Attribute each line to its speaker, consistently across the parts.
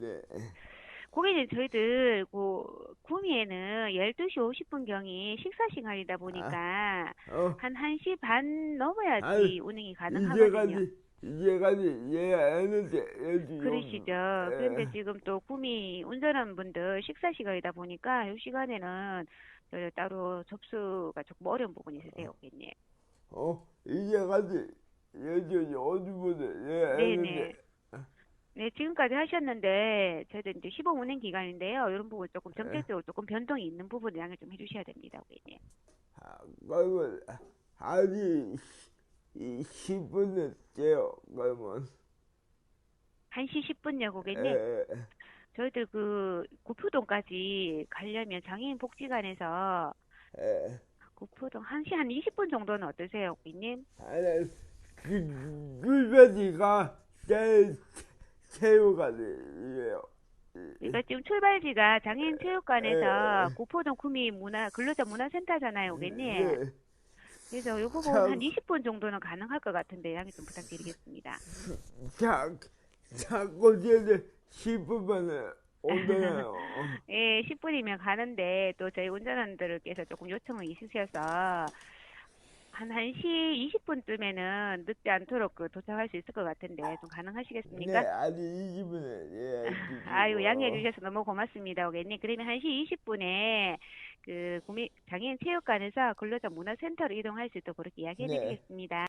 Speaker 1: 네.
Speaker 2: 고객님, 저희들, 구미에는 12시 50분경이 식사 시간이다
Speaker 1: 아,
Speaker 2: 보니까,
Speaker 1: 어,
Speaker 2: 한 1시 반
Speaker 1: 아,
Speaker 2: 넘어야지 운행이 가능하거든요.
Speaker 1: 이제까지 이해 안 했는데, 여기,
Speaker 2: 그러시죠. 그런데 지금 또 구미 운전하는 분들 식사 시간이다 보니까, 이 시간에는 따로 접수가 조금 어려운 부분이 있으세요, 고객님.
Speaker 1: 이제까지, 여기 어디 보자, 이해 안 했는데,
Speaker 2: 네네. 네, 지금까지 하셨는데, 저희들 이제 시범 운행 기간인데요. 이런 부분 조금
Speaker 1: 에,
Speaker 2: 정책적으로 조금 변동이 있는 부분 양해 좀 해주셔야 됩니다, 고객님.
Speaker 1: 그러면, 아니, 이 10분을 째요, 그러면,
Speaker 2: 1시 10분요, 고객님.
Speaker 1: 에,
Speaker 2: 저희들 구포동까지 가려면 장애인 복지관에서
Speaker 1: 에,
Speaker 2: 구포동 1시 한 20분 정도는 어떠세요, 고객님?
Speaker 1: 아니, 꿀배지가 제일 체육관이에요.
Speaker 2: 그러니까 지금 출발지가 장애인 체육관에서
Speaker 1: 에,
Speaker 2: 구포동 구미 근로자 문화센터잖아요, 고객님.
Speaker 1: 네,
Speaker 2: 그래서 이 부분 한
Speaker 1: 참,
Speaker 2: 20분 정도는 가능할 것 같은데 양해 좀 부탁드리겠습니다.
Speaker 1: 자, 자꾸 쟤네 10분만에 온다요.
Speaker 2: 예, 10분이면 가는데 또 저희 운전원들께서 조금 요청이 있으셔서 한 1시 20분쯤에는 늦지 않도록 도착할 수 있을 것 같은데 좀
Speaker 1: 네,
Speaker 2: 가능하시겠습니까?
Speaker 1: 아니 20분에 예,
Speaker 2: 아유, 양해해
Speaker 1: 주시고.
Speaker 2: 주셔서 너무 고맙습니다, 고객님. 그러면 1시 20분에 장애인 체육관에서 근로자 문화센터로 이동할 수 있도록 그렇게 이야기해
Speaker 1: 네,
Speaker 2: 드리겠습니다.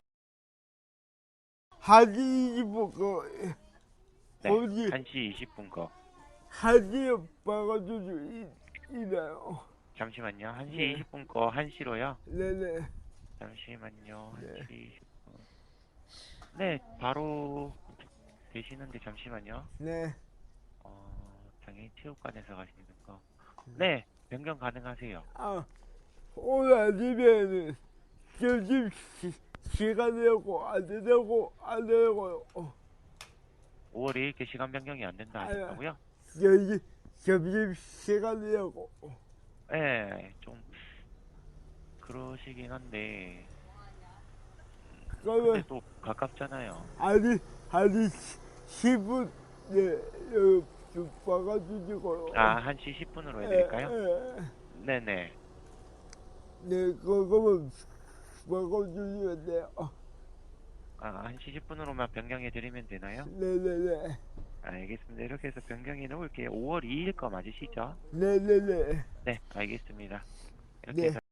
Speaker 1: 하지 20분
Speaker 3: 네,
Speaker 1: 거기
Speaker 3: 1시 20분 거.
Speaker 1: 하지 박아주지 있나요?
Speaker 3: 잠시만요. 1시
Speaker 1: 네,
Speaker 3: 20분 거 1시로요.
Speaker 1: 네네,
Speaker 3: 잠시만요.
Speaker 1: 네,
Speaker 3: 1시 20분. 네, 바로 되시는데 잠시만요.
Speaker 1: 네.
Speaker 3: 장애인 체육관에서 가시는 거. 네, 변경 가능하세요.
Speaker 1: 아, 오늘 아침에는 점심 시간 되고 안 되고 안 되고
Speaker 3: 5월 2일께 시간 변경이 안 된다
Speaker 1: 아,
Speaker 3: 하셨다고요?
Speaker 1: 여기 점심 시간 되고
Speaker 3: 네, 좀 그러시긴 한데 근데
Speaker 1: 그러면
Speaker 3: 또 가깝잖아요.
Speaker 1: 아니 10분 네 여기 좀 박아주시고요.
Speaker 3: 1시 10분으로
Speaker 1: 에,
Speaker 3: 해드릴까요?
Speaker 1: 에,
Speaker 3: 네네.
Speaker 1: 네 그거만 박아주시면 돼요.
Speaker 3: 1시 10분으로만 변경해 드리면 되나요?
Speaker 1: 네네네
Speaker 3: 알겠습니다. 이렇게 해서 변경해 놓을게요. 5월 2일 거 맞으시죠?
Speaker 1: 네네네
Speaker 3: 네, 알겠습니다. 이렇게
Speaker 1: 네.
Speaker 3: 해서